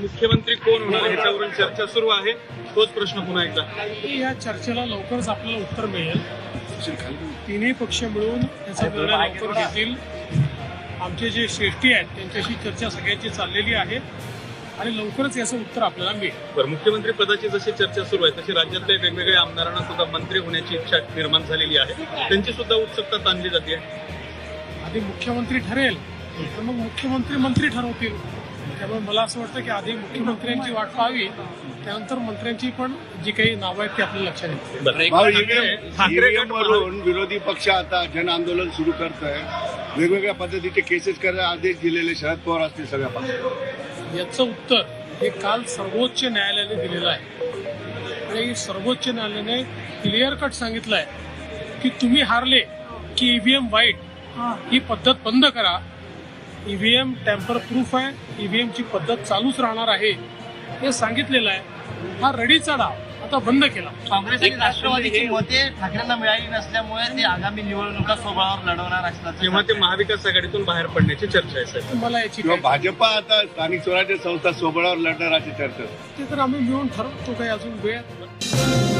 मुख्यमंत्री कोण होणार ह्याच्यावरून चर्चा सुरू आहे. तोच प्रश्न पुन्हा एकदा. या चर्चेला लवकरच आपल्याला उत्तर मिळेल. तिन्ही पक्ष मिळून याचा निर्णय लवकर घेतील. आमचे जे श्रेष्ठी आहेत त्यांच्याशी चर्चा सगळ्यांची चाललेली आहे आणि लवकरच याचं उत्तर आपल्याला मिळेल. बरं, मुख्यमंत्री पदाची जशी चर्चा सुरू आहे तशी राज्यातल्या वेगवेगळ्या आमदारांना सुद्धा मंत्री होण्याची इच्छा निर्माण झालेली आहे. त्यांची सुद्धा उत्सुकता ताणली जाते. आधी मुख्यमंत्री ठरेल तर मग मुख्यमंत्री मंत्री ठरवतील. त्यामुळे मला असं वाटतं की आधी मुख्यमंत्र्यांची वाट पाहावी, त्यानंतर मंत्र्यांची पण जी काही नावं आहेत ती आपल्याला लक्षात येतील. वरून विरोधी पक्ष आता जन आंदोलन सुरू करत आहे. वेगवेगळ्या पद्धतीचे केसेस करायला आदेश दिलेले शरद पवार असतील सगळ्या पक्षाला. याचं उत्तर हे काल सर्वोच्च न्यायालयाने दिलेलं आहे आणि सर्वोच्च न्यायालयाने क्लिअर कट सांगितलं आहे की तुम्ही हारले की ईव्हीएम वाईट ही पद्धत बंद करा. ईव्हीएम टॅम्पर प्रूफ आहे, ईव्हीएमची पद्धत चालूच राहणार आहे हे सांगितलेलं आहे. हा रडीचा डाव आता बंद केला. काँग्रेस आणि राष्ट्रवादीची मते ठाकरेंना मिळाली नसल्यामुळे ते आगामी निवडणुका स्वबळावर लढवणार असतात किंवा ते महाविकास आघाडीतून बाहेर पडण्याची चर्चा आहे साहेब. मला याची किंवा भाजपा आता स्थानिक स्वराज्य संस्था सोबळावर लढणार अशी चर्चा. ते तर आम्ही मिळून ठरवतो. काही अजून वेळ